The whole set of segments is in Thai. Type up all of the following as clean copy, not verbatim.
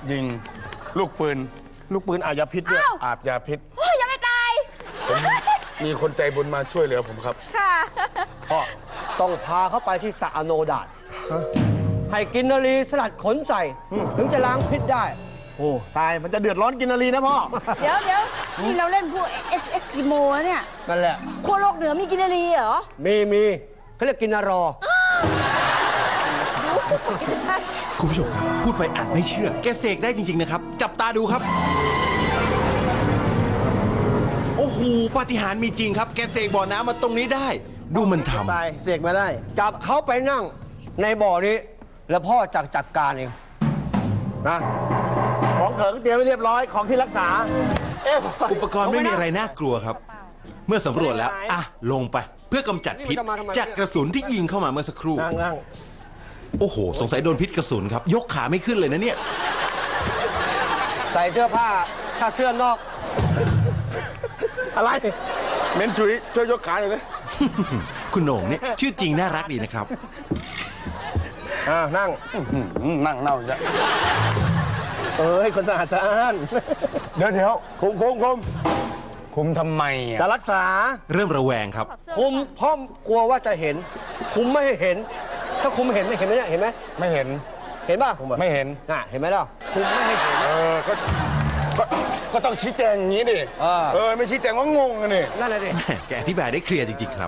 ยิงลูกปืนอาบยาพิษด้วยอาบยาพิษโอ้ยยังไม่ตายมีคนใจบุญมาช่วยเหลือผมครับค่ะพ่อต้องพาเขาไปที่สระอโนดาตให้กินนารีสลัดขนใส่ถึงจะล้างพิษได้โอ้ตายมันจะเดือดร้อนกินนารีนะพ่อเดี๋ยวนี่เราเล่นพวกเอสกิโมเนี่ยนั่นแหละขั้วโลกเหนือมีกินนารีเหรอมีเขาเรียกกินนารอคุณผู้ชมครับพูดไปอาจไม่เชื่อแกเสกได้จริงๆนะครับจับตาดูครับโอ้โหปาฏิหาริย์มีจริงครับแกเสกบ่อน้ำมาตรงนี้ได้ดูมันทำตายเสกมาได้จับเขาไปนั่งในบ่อนี้แล้วพ่อจัดการเองนะของเขิงเตรียมไว้เรียบร้อยของที่รักษาอุปกรณ์ไม่มีอะไรน่ากลัวครับเมื่อสำรวจแล้วลงไปเพื่อกำจัดพิษจากกระสุนที่ยิงเข้ามาเมื่อสักครู่นั่งโอ้โหสงสัยโดนพิษกระสุนครับยกขาไม่ขึ้นเลยนะเนี่ยใส่เสื้อผ้าถ้าเสื้อนอกอะไรเม้นชุยช่วยยกขาหน่อยสิคุณโหน่งเนี่ยชื่อจริงน่ารักดีนะครับนั่งเน่าอีกแล้วให้คนสะอาดเดี๋ยวคุมทำไมจะรักษาเริ่มระแวงครับคุมพ่อกลัวว่าจะเห็นคุมไม่ให้เห็นถ้าคุมเห็นไม่เห็นไหมเนี่ยเห็นไหมไม่เห็นป่ะไม่เห็นเห็นไหมล่ะคุมไม่ให้เห็นก็ต้องชี้แจงอย่างนี้ดิไม่ชี้แจงว่างงกันนี่นั่นแหละดิแกอธิบายได้เคลียร์จริงๆครับ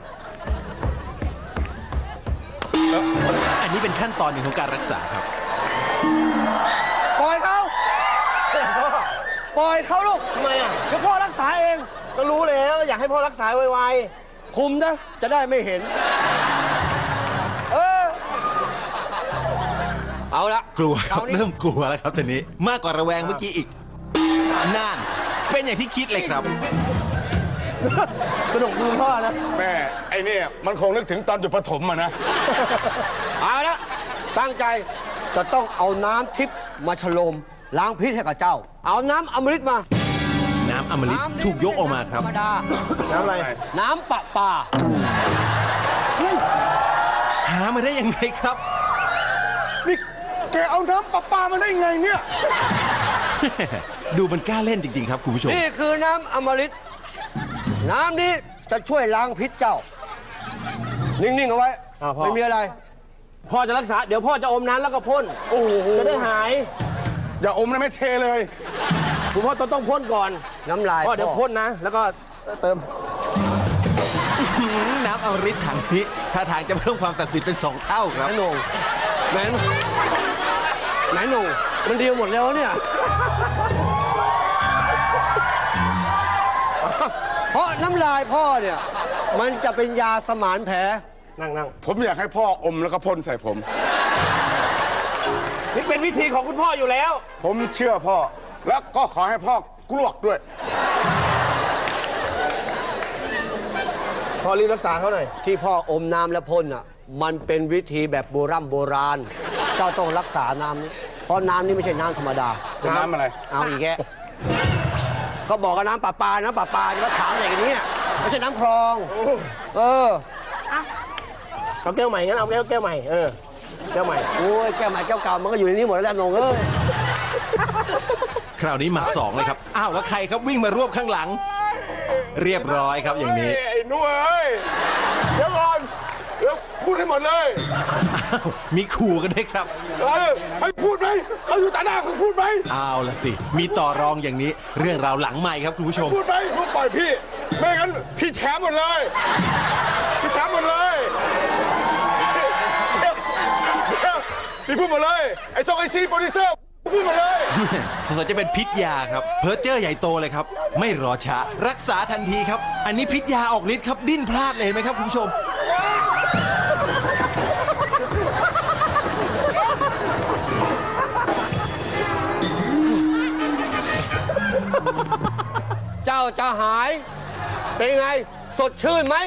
อันนี้เป็นขั้นตอนหนึ่งของการรักษาครับปล่อยเขาลูกทำไมเดี๋ยวพ่อรักษาเองก็รู้แล้วอยากให้พ่อรักษาไวๆคุมนะจะได้ไม่เห็นเอาละกลัวครับเริ่มกลัวแล้วครับตอนนี้มากกว่าระแวงเมื่อกี้อีกนั่นเป็นอย่างที่คิดเลยครับสนุกดูพ่อนะแม่ไอ้นี่มันคงนึกถึงตอนอยู่ประถมนะเอาละตั้งใจจะต้องเอาน้ำทิพย์มาฉโลมล้างพิษให้กับเจ้าเอาน้ำอมฤตมาน้ำอมฤตถูกยกออกมาครับน้ำอะไรน้ำประปาหามาได้ยังไงครับนี่แกเอาน้ำประปามาได้ยังไงเนี่ยดูมันกล้าเล่นจริงๆครับคุณผู้ชมนี่คือน้ำอมฤตน้ำนี้จะช่วยล้างพิษเจ้านิ่งๆเอาไว้ไม่มีอะไรพ่อจะรักษาเดี๋ยวพ่อจะอมน้ำแล้วก็พ่นโอ้โหจะได้หายอย่าอมนะไม่เทเลยคุณพ่อต้องพ่นก่อนน้ำลายพ่อเดี๋ยวพ่นนะแล้วก็เติมน้ำอมฤตถังนี้ท่าทางจะเพิ่มความศักดิ์สิทธิ์เป็น2 เท่าครับไหนหนุ่มมันดีหมดแล้วเนี่ยเพราะน้ำลายพ่อเนี่ยมันจะเป็นยาสมานแผลนั่งผมอยากให้พ่ออมแล้วก็พ่นใส่ผมนี่เป็นวิธีของคุณพ่ออยู่แล้วผมเชื่อพ่อแล้วก็ขอให้พ่อกลวกด้วยพ่อรีบรักษาเขาหน่อยที่พ่ออมน้ำและพ่นอ่ะมันเป็นวิธีแบบโบราณเจ้าต้องรักษาน้ำนี้เพราะน้ำนี้ไม่ใช่น้ำธรรมดาเป็นน้ำอะไรเอาอีกแกเขาบอกว่าน้ำประปาก็ถามอะไรกันเนี่ยไม่ใช่น้ำคลองเอาแก้วใหม่งั้นเอาแก้วใหม่แก้วใหม่โอ้ยแก้วใหม่แก้วเก่ามันก็อยู่ในนี้หมดแล้วนงคราวนี้มา2เลยครับอ้าวแล้วใครครับวิ่งมารวบข้างหลังเรียบร้อยครับอย่างนี้ไอ้นุ่ยเดี๋ยวก่อนเดี๋ยวพูดให้หมดเลยมีขู่กันด้วยครับให้พูดไหมเขาอยู่ต่อหน้าคุณพูดไหมเอาละสิมีต่อรองอย่างนี้เรื่องราวหลังใหม่ครับคุณผู้ชมพูดไหมพูดปล่อยพี่ไม่งั้นพี่แฉหมดเลยพี่แฉหมดเลยเดี๋ยวพี่พูดหมดเลยไอ้ไอซีโปรดิวเซอร์พูดหมดเลยสงสัยจะเป็นพิษยาครับเพิร์เจอร์ใหญ่โตเลยครับไม่รอช้ารักษาทันทีครับอันนี้พิษยาออกฤทธิ์ครับดิ้นพลาดเลยเห็นไหมครับคุณผู้ชมเจ้าจะหายเป็นไงสดชื่นไหม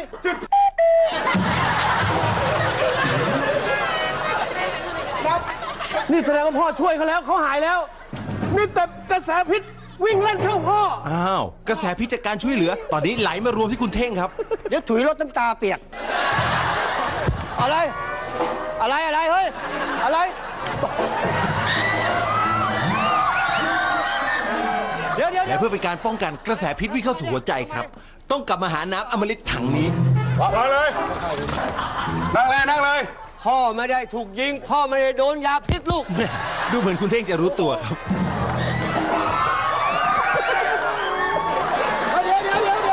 นี่แสดงว่าพ่อช่วยเขาแล้วเขาหายแล้วนี่แต่กระแสพิษวิ่งเล่นเข้าพ่ออ้าวกระแสพิษจากการช่วยเหลือตอนนี้ไหลมารวมที่คุณเท่งครับเดี๋ยวถุยรถน้ำตาเปียกอะไรเฮ้ยอะไรและเพื่อเป็นการป้องกันกระแสพิษวิ่งเข้าสู่หัวใจครับ ต้องกลับมาหาน้ำอมฤตถังนี้มาเลย นั่งเลย นั่งเลยพ่อไม่ได้ถูกยิง พ่อไม่ได้โดนยาพิษลูกดูเหมือนคุณเท่งจะรู้ตัวครับเดี๋ยว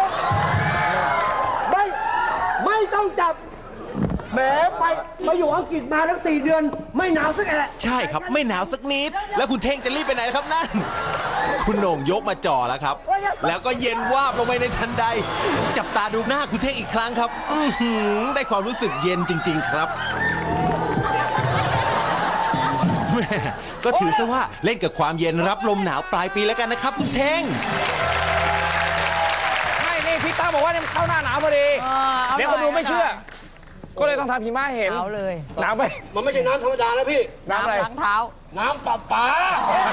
ไม่ต้องจับ แหมไปอยู่อังกฤษมาแล้ว4 เดือน ไม่หนาวสักแอะใช่ครับไม่หนาวสักนิด แล้วคุณเท่งจะรีบไปไหนครับนั่น คุณโหน่งยกมาจ่อแล้วครับ แล้วก็เย็นวาบลงไปในทันใด จับตาดูหน้าคุณเท่งอีกครั้งครับได้ความรู้สึกเย็นจริง ๆ ครับแม่ก็ถือซะว่าเล่นกับความเย็นรับลมหนาวปลายปีแล้วกันนะครับคุณเท่งไม่นี่พี่ตั้มบอกว่าเนี่ยมันเข้าหน้าหนาวพอดี เดี๋ยวคนดูไม่เชื่อ ก็เลยต้องทำหิมะเห็นเอาเลยหนาวไปมันไม่ใช่น้ำธรรมดาแล้วพี่น้ำอะไรล้างเท้าน้ำประปา